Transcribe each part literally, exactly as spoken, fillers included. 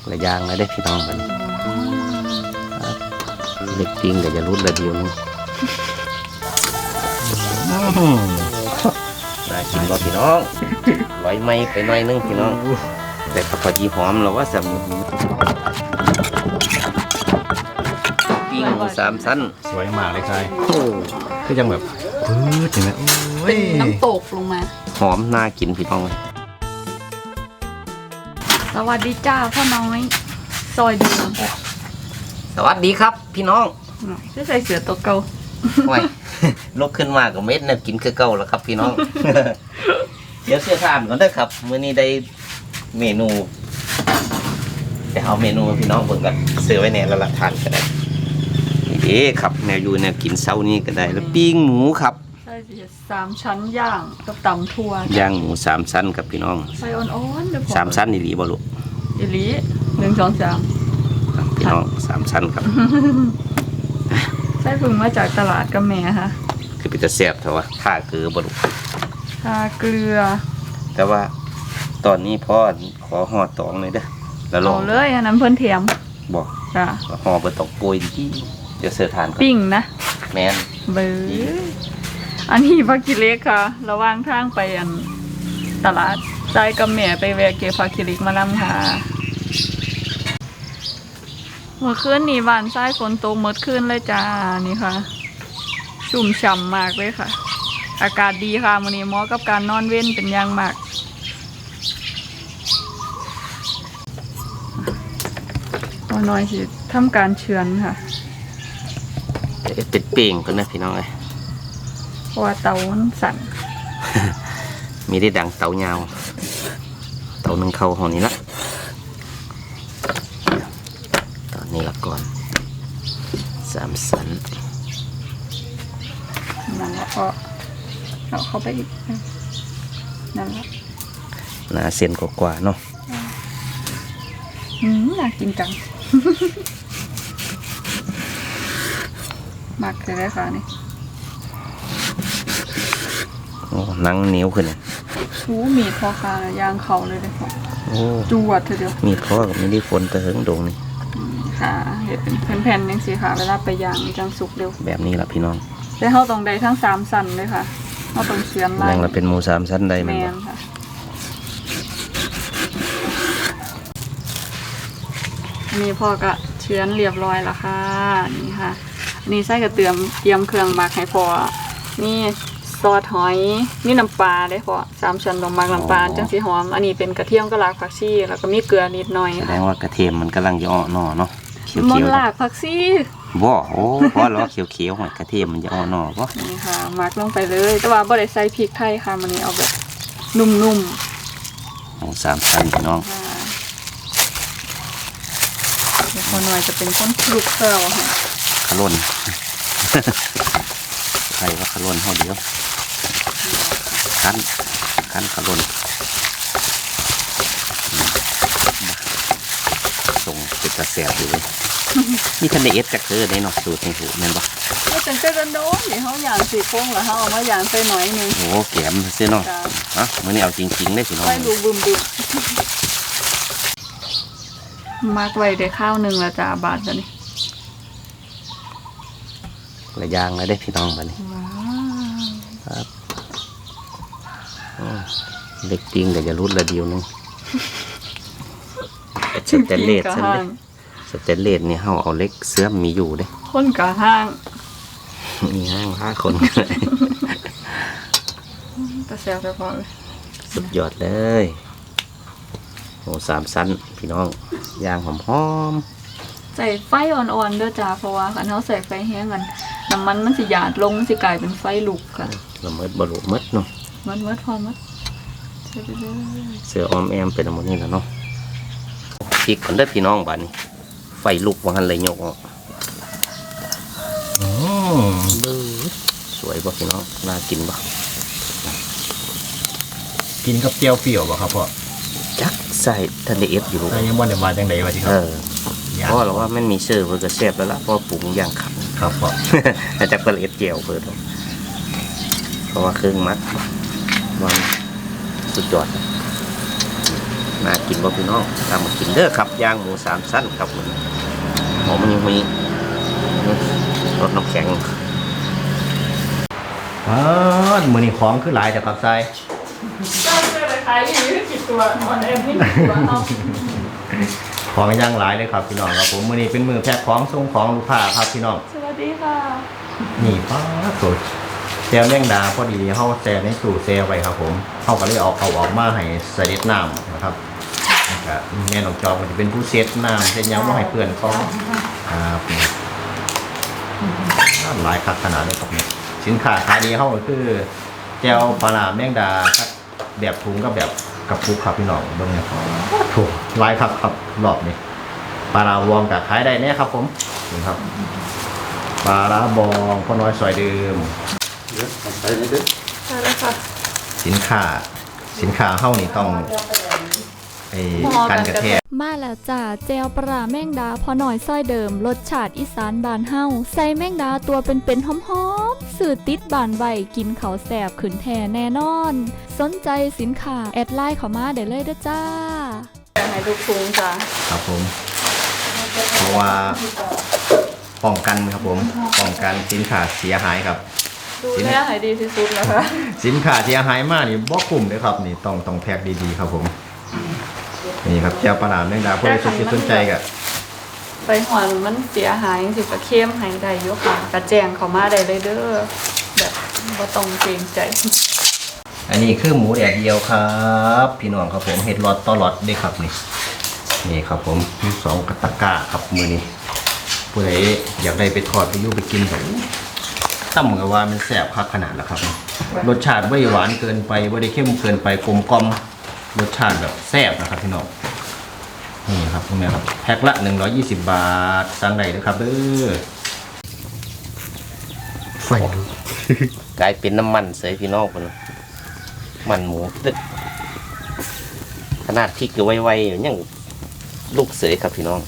หลายอย่างเลยได้พี่น้องมันเล็กจริงแต่จะรุดละเดียวนึงน่ากินบ่พี่น้องร้อยไม้ไปหน่อยนึงพี่น้องแต่พอดีหอมเราว่าสำปิ้งหมูสามชั้นสวยมากเลยใช่โอ้คือยังแบบพื้นอย่างนี้เป็นน้ำตกลงมาหอมน่ากินพี่น้องสวัสดีจ้าพ่อน้อยซอยเดือดสวัสดีครับพี่น้องจะใส่เสือตัวเก่าโอ้ยลุกขึ้นมากับเม็ดเนี่ยกินคือเก่าแล้วครับพี่น้อง เดี๋ยวเสื้อผ้าก่อนได้ครับมื้อนี้ได้เมนูแต่เอาเมนูพี่น้องเบิ่งกันซื้อไว้เนี่ยแล้วละทานก็ได้นี่ครับแนวอยู่แนวกินเช้านี้ก็ได้แล้วปิ้งหมูครับใช่สามชั้นย่างกับตำทั่วย่างหมูสามชั้นครับพี่น้องใส่อ่อนๆเดี๋ยวสามชั้นอีหลีบ่ลูกอีหลีหนึ่งสองสามพี่น้องสามชั้นครับใส่พึ่งมาจากตลาดกับแม่ค่ะคือเป็นตะแซ่บเถอะวะท่าเกลือบ่ลูกท่าเกลือแต่ว่าตอนนี้พ่อขอห่อตองเลยเด้อแล้วลองเลยอันนั้นเพิ่นเทียมบอกจ้ะห่อเบอร์ตองโปรยดีเดี๋ยวเสิร์ฟทานก่อนปิ้งนะแมนเบอร์อันนี้ผักกิเล็กค่ะระหว่างทางไปอันตลาดใจกับแม่ไปแวะเก็บผักกิเล็กมานำค่ะเมื่อคืนนี้บ้านทรายฝนตกเมื่อคืนเลยจ้านี่ค่ะชุ่มฉ่ำมากเลยค่ะอากาศดีค่ะมื้อนี้เหมาะกับการนอนเว้นเป็นอย่างมากเอาหน่อยสิทำการเฉือนค่ะเป็ดเป่งกันนะพี่น้องเลยเพราะว่าเตามันสั่นมีได้ดังเตายาวเตาหนึ่งเข้าห้องนี้ละตอนนี้ละก่อนสามสันนั่นแล้วก็เอาเข้าไปอีกนั่นแหละหนาเส้นกว่าๆเนาะอืมน่ากินจัง มักเลยได้ค่ะนี่โอ้นั่งเหนียวขึ้นเลยชูมีพอค่ะยางเขาเลยเลยค่ะโอ้จวดเถอะเดียวมีพ่อกับไม่ได้ฝนแต่เฮิงดงนี่ค่ะเห็ดเป็นแผ่นๆยังสิค่ะเวลาไปย่างมีจังสุกเร็วแบบนี้แหละพี่น้องแต่เขาต้องได้ทั้งสามสันเลยค่ะเขาต้องเชือนไล่แรงเราเป็นหมูสามชั้นได้ไหมค่ะนี่พ่อก็เชือนเรียบร้อยแล้วค่ะนี่ค่ะนี่ใส่กระเทียมเตรียมเครื่องหมักให้พอนี่ซอสหอยนี่น้ำปลาได้พอสามชั้นลงหมักน้ำปลาจังสีหอมอันนี้เป็นกระเทียมกระลากผักชีแล้วก็มีเกลือนิดหน่อยแสดงว่ากระเทียมมันกำลังจะอ่อนหน่อเนาะเขียวๆมันลากผักชีบ่โอ้เพราะเราเขียวๆหอยกระเทียมมันจะอ่อนหน่อป่ะนี่ค่ะหมักลงไปเลยแต่ว่าบ่ได้ใส่พริกไทยค่ะมันนี้เอาแบบนุ่มๆหมูสามชั้นพี่น้องเดี๋ยวพอหน่อยจะเป็นก้นคลุกเกลือค่ะขลุ่นใครว่าขลุ่นเท่าเดียวขั้นขั้นขลุ่นส่งเป็นกระแสอยู่เลยนี่ทันได้เอสจากเธอได้เนาะสูตรในหูแม่นปะไม่เป็นเส้นโดนเดี๋ยวเขาอย่างสีโค้งเหรอเขาเอามาอย่างใส่หน่อยนึงโอ้แกมเส้นเนาะอ่ะมื่อนี้เอาจริงๆได้สิน้องไม่ดูบึมบึมมากไว้ได้ข้าวหนึ่งละจ้าบาทจ้ะนี่หลายอย่างเลยได้พี่น้องมานี่ครับเล็กจริงแต่จะรุดละเดียวนึงสเตนเลสฉันเลยสเตนเลสเนี่ยเขาเอาเล็กเสื้อมีอยู่เด้คนกะห้างมีห้างห้าคนแต่แซวแต่พอเลยสุดยอดเลยโอ้สามชั้นพี่น้องย่างหอมๆใส่ไฟอ่อนๆด้วยจ้าเพราะว่าคันเขาใส่ไฟแห้งกันน้ำมันมันสิหยาดลงสิกลายเป็นไฟลุกค่ะละเมิดบรุษมัดเนาะมัดมัดพอมัดเสือออมแอมเป็นหมดนี่แล้วเนาะพริกคนได้พี่น้องบ้านนี้ไฟลุกว่าหันเลยโยกอ๋อสวยป่ะพี่น้องน่ากินป่ะกินกับเจียวเปรี้ยวป่ะครับพ่อจักใส่ทันเดเอฟอยู่ยังวันเดียวมาจังไดวะที่ครับเพราะเราว่ามันมีเชื่อเพื่อกระเซบแล้วล่ะเพราะปรุงอย่างขับครับพ่อแต่จากกระเอ็ดเจียวเพื่อเพราะว่าเครื่องมัดมันสุดยอดนน่ากินบ่พี่น้องตามมากินเด้อครับย่างหมูสามชั้นครับหอมมันยังมีรสน้ำแข็งอ๋อมือนี่ของคือหลายแต่กับทรายก็คือเลยขายอยู่ที่สิบตัวออนแอร์ไม่สิบตัวเอาของย่างหลายเลยครับพี่น้องครับผมมือนี้เป็นมือแพ็คของส่งของลูกค้าครับพี่น้องสวัสดีค่ะนี่ป้าสดแซวแมงดาพอดีเขาแซวในสู่แซวไปครับผมเขาก็เลยเอาเอาออกมาให้ใส่เด็ดน้ำนะครับแล้วก็แม่น้องจอมก็จะเป็นผู้เซตน้ำเซตยังว่าให้เพื่อนเขาครับหลายคักขนาดเลยครับเนี่ยสินค้าขายดีเขาก็คือแจวปลาร้าแมงดาแบบถุงกับแบบกับปุกครับพี่น้องเบื้องนี้ถูกลายครับครับรอบนี้ปลาร้าวองกับขายได้แน่ครับผมนี่ครับปลาร้าบองพ่อน้อยซอยเดิมใช่แล้วค่ะสินค้าสินค้าเฮ้านี่ต้องไอ้การกระแทกมาแล้วจ้าแจวปลาแมงดาพอหน่อยซ้อยเดิมรสชาติอีสานบานเฮาใส่แมงดาตัวเป็นๆหอมๆสื่อติดบานใบกินเขาวแสบขืนแท่แน่นอน สนใจสินค้าแอดไลน์เข้ามาได้เลยเด้อจ้าให้ทุกทุงจ้ะครับผม เพราะว่าป้องกันครับผมป้องกันสินค้าเสียหายครับดูแลให้ดีที่สุดนะคะสินค้าเสียหายมากนี่บ่คุ้มเลยครับนี่ต้องต้องแพ็คดีๆครับผมนี่ครับแจวปลาร้าแมงดาผู้ใดสนใจสนใจก็ไปหอนมันเสียหายสิกระเข้มให้ได้อยกค่ะกระแจงเข้ามาได้เลยเด้อแบบบ่ต้องเกรงใจอันนี้คือหมูแดดเดียวครับ พี่น้องครับผมเห็ดหลอดต่อหลอดเด้ครับนี่นี่ครับผมมีสองกระตะกร้าครับมือนี้ผู้ใดอยากได้ไปทอดไปยุ่ไปกินแบบตั้มกับว่ามันแสบคักขนาดแล้วครับรสชาติไม่หวานเกินไปไม่ได้เข้มเกินไปกลมกล่อมรสชาติแบบแซ่บนะครับพี่น้องนี่ครับตรงนี้ครับแพ็คละหนึ่งร้อยยี่สิบบาทสั่งได้เลยครับเด้อไฟดูกลายเป็นน้ำมันเสยพี่น้องคนมันหมูตึกขนาดพริกก็ไวๆอยู่ยังลูกเสยครับพี่น้อง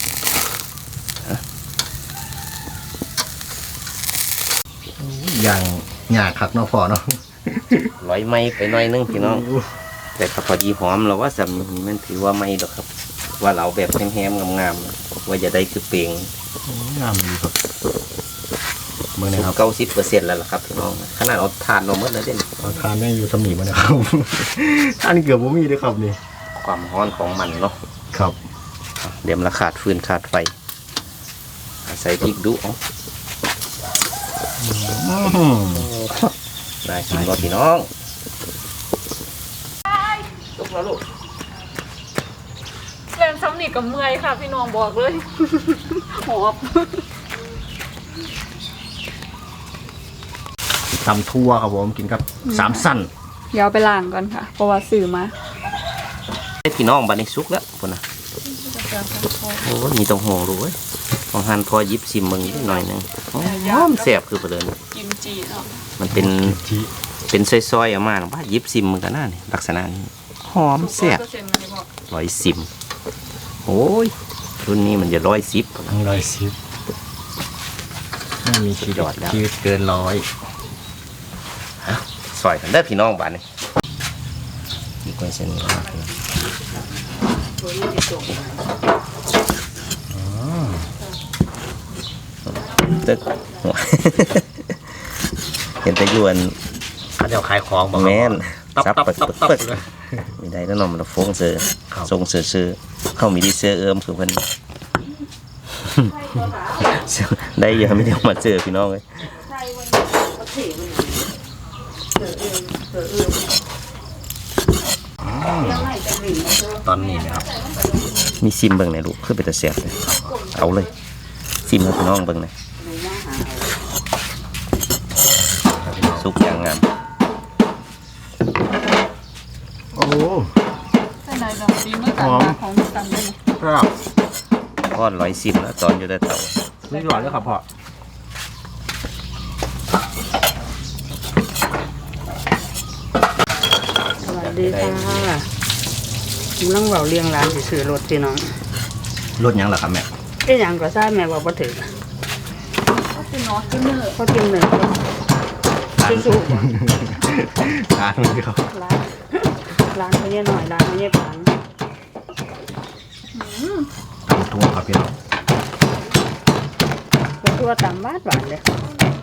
อย่างหยาคักเนาะพอเนาะร้อยไม้ไปหน่อยนึงพี่น้อง แต่ถ้าพอดีหอมเราว่าสำนี้มันถือว่าไม่ดอกครับ ว่าเราแบบแห้งๆงามๆว่าจะได้คือเปลงงามดีครับเมื่อไหร่ครับเก้าสิบเปอร์เซ็นต์แล้วล่ะครับพี่น้องขนาดเอาทานเราเมื่อแล้วเด่นเอาทานแม่งอยู่สมีมานะครับ ทานเกือบบ่มีเลยครับนี่ความร้อนของมันเนาะครับเดี๋ยวมันขาดฟืนขาดไฟใส่พริกดุเอาได้กินบ่พี่น้องลุกแล้วลูกเล่นซ้ำนี่กับเมื่อยค่ะพี่น้องบอกเลย หอบตำทั่วครับผมกินกับสามสั้นเดี๋ยวเอาไปล้างก่อนค่ะ เพราะว่าซื้อมาให้พี่น้องบัดนี้สุกแล้วพุ่นน่ะโอ้ยมีต้องห่วงรู้เว้ยของหันพอยิบซิมมึงนิดหน่อยหนึงหอมแซ่บคือประเดินกิมจิเนาะมันเป็นจีเป็นซอยๆออกมาว่ายิบซิมมึงกันน่านี่ลักษณะนี้หอมแซ่บเปอร์เซ็นต์มันบอกร้อยซิมโอ้ยรุ่นนี้มันจะร้อยสิบทั้งร้อยสิบไม่มีชียอดแล้วชีวิตเกินร้อยซอยกันได้อพี่น้องบ้านนี้นี่กล้วยเส้นนี้ครับตึก เห็นแต่ยวนเขาจะเอาขายของบอกแม่นตับซับตับเปิดตับเปิดตับเปิดเลยมีได้แล้วเนอนมันฟงเสือครับทรงเสือเสือเข้ามีดีเสือเอิมคือเพิ่น ได้เยอะไม่ได้มาเจอพี่น้องเลยตอนนี้นะครับมีซิมเบิ่งไหนอยลูกคือเป็นตะเสียบเลยเอาเลยซิมให้พี่น้องเบิ่งหน่อยสุกอย่างงามโอ้ใช่ไหนดอกดีเมื่อกันมาของตันเลยครับก้อนร้อยซิมแล้วตอนอยู่ได้เต่าไม่ร้อยแล้วครับพ่อสวัสดีค่ะกำลังเบาเลี้ยงร้านสิซื้อรถพี่น้องรถยังเหรอครับแม่เอ้ยหยังก็ทราบแม่ว่าบ่ถึงก็คือน็อตคือเนื้อเขากินหนึ่งซื้อสูบร้านมันครับร้านร้านเขาเนี่ยหน่อยร้านเขาเนี่ยปันตำทั่วครับพี่น้องเป็นตัวตำบ้านหวานเลย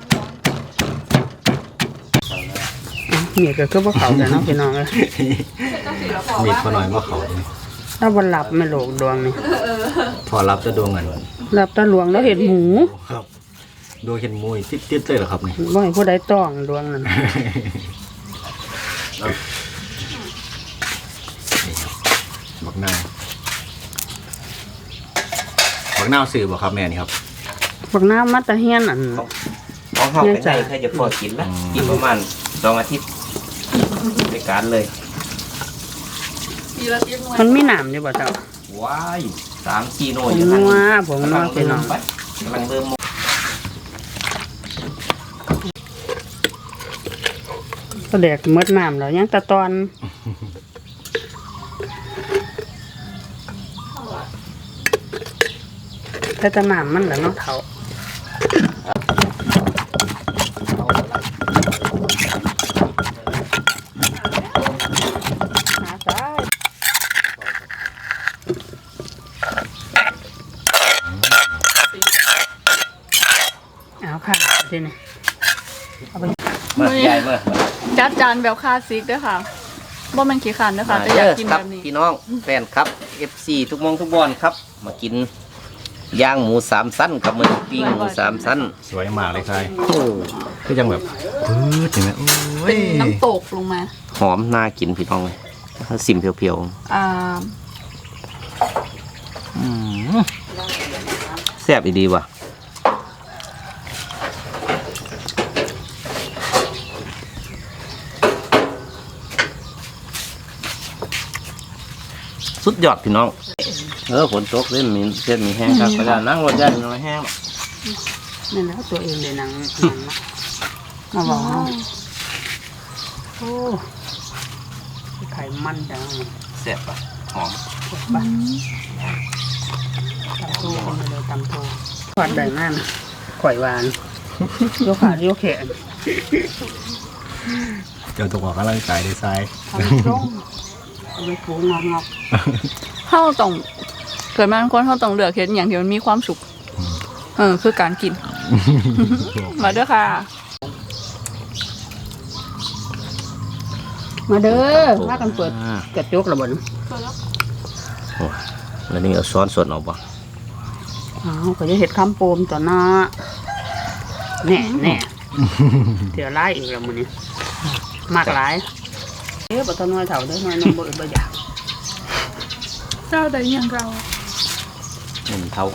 อ่ะนี่ก็คือพวกเขาแต่น้องพี่น้องเลยมีดพอหน่อยว่าเขาเลยถ้าวันหลับไม่โหลกดวงนี่พอรับจะดวงกันหลับตาหลวงแล้วเห็นหมูครับดวงเห็นมวยติดๆเลยเหรอครับนี่ว่าให้ผู้ใดต้องดวงนั้นบักนาวบักนาวสื่อบ่ครับแม่นี่ครับพวกน้ำมัตตะเฮียนอันของเขาเป็นไงแค่จะพอกินนะกินประมาณสองอาทิตย์ในการเลยปีละทิพย์มันมีหนามอยู่บ่เจ้าว้ายสามกิโลผอยู่งทางนัวนี้ผงนัวพี่น้องไปกำลังเริ่มก็แดกมดน้ำแล้วยังแตะตอนแต่ตะน้ำมันแหละเนาะเถาหาซ้ายเอาค่ะทีนี้เอาไปเมื่อใหญ่เมื่อจัดจานแบบคลาสสิกด้วยค่ะบ่แม่นขี้ขันด้วยค่ะแต่อยากกินครัแบบนี้พี่น้องแฟนครับ เอฟ ซี ทุกมองทุกบอลครับ มากินย่างหมูสามสั้นกับมือปิ้งหมูสามสั้นสวยมากเลยใช่โอ้ก็ยังแบบปื๊ดเห็นไหมโอ้เป็ยนน้ำตกลงมาหอมน่ากินพี่น้องเลยสิมเพียวอ่าๆอืมแซ่บดีว่ะสุดยอดพี่น้องเออฝนตกเล่นมีเส้นมีแห้งครับกระดานนั่งรถยันน้อยแห้งนี่นะตัวเองเลยหนังหนังมาบอกเนาะโอ้ไข่มันจังแซ่บป่ะหอมบ้านตำตูคนเลยตำตูหวานได้มากข่อยหวานโยขาโยแขนเจ้าตัวออกกำลังกายได้ใช่ทำส้มเอาไปฟูงอกงอกเฮาต้องเกิดมาเป็นคนเฮาต้องเลือกเฮ็ดอหย่างที่มันมีความสุขเออคือการกิน มาเด้อค่ะมาเด้อพากันเปิดกระจกระเบิดโอ้แล้วนี่เอาซ้อนส่วนออกป่ะอ้าวก็จะเห็ดคำโปมต่อหน้าแน่แน่เดี๋ยวไล่อีกแล้วมันนี้มากหลายเอ๊ะบัตรน้อยเถ่าได้น้อยน้องบ่บ่อยากเจ้าใดอย่างเราหนึ่งเท่า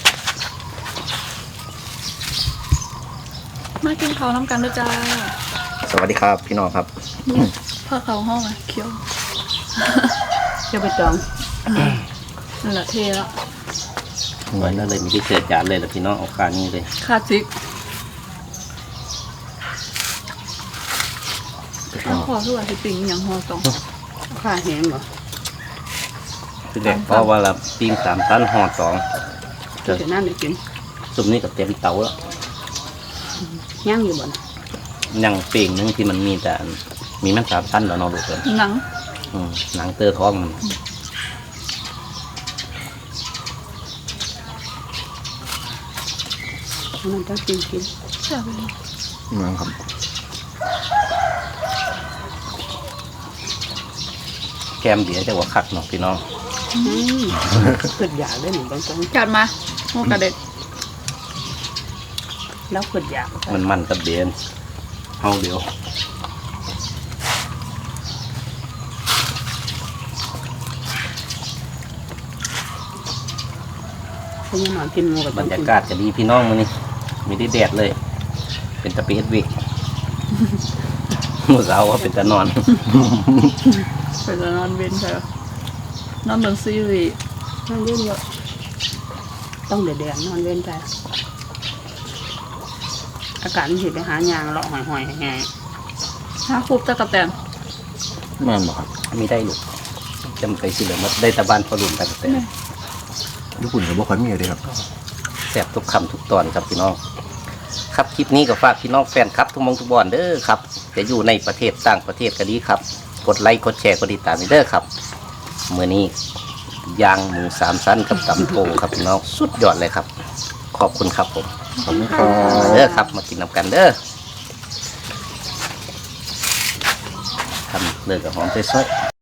มากินข้าวน้ำกันด้วยจ้าสวัสดีครับพี่น้องครับเพื่อเขาห้องอ่ะเคี้ยวจะไปจองนั่นแหละเทแล้วไว้นั่นเลยมีที่เศษจานเลยแหละพี่น้องเอาการนี้เลยคลาสสิกข้าวขอคือว่าสิปิงอหย่างห่อสองข้าแห้งบ่คือเด็กเพราะว่าเราปิ้งสามชั้นห่อสองเดี๋ยวนั่นได้กินซุปนี้กับเต็มเตาแล้วย่างอยู่บ่นะยังเป่งนึงที่มันมีแต่อันมีมันสามชั้นแล้วเนาะลูกเอ้ยหนังอืมหนังเตอท้องมันมันต้องกินกินแซ่บเลยเหมือนครับแกมเดียวจะว่าคักเนาะพี่น้องอืมเกิดอยากได้หนึ่งบางคนจัดมาหมูกระเด็ดแล้วเกิดอยากมันมันกับเดนเฮาเดียวเพราะยังนอนกินหมูกับบรรยากาศจะดีพี่น้องมันนี่มีได้แดดเลย เป็นตะเปียดวิก มือเอาว่าเป็นตะนอนเป็นนอนเว้นใช่ไหมนอนเบิ่งซีรีส์นอนเว้นเยอะต้องเดือดแดงนอนเว้นใจอากาศมันสิไปหายางเลาะหอยหอยแห้งห้าคูบตะกะแตนแม่นบ่ครับมีได้ลูกจำไปสิเหลือมาได้ตะบานพอรุ่นไปแต่ญี่ปุ่นกับบ่ค่อยมีเลยครับแซ่บทุกคำทุกตอนครับพี่น้อง ครับคลิปนี้ก็ฝากพี่น้องแฟนครับทุกมองทุกบอลเด้อครับจะอยู่ในประเทศต่างประเทศก็ดีครับ กดไลค์กดแชร์กดติดตามเด้อครับเมื่อนี้ย่างหมูสามชั้นกับตำโถครับพี่น้องสุดยอดเลยครับ ขอบคุณครับผมขอบคุณครับมาเด้อครับมากินน้ำกันเด้อทำเลยกับหอมใส่ซอย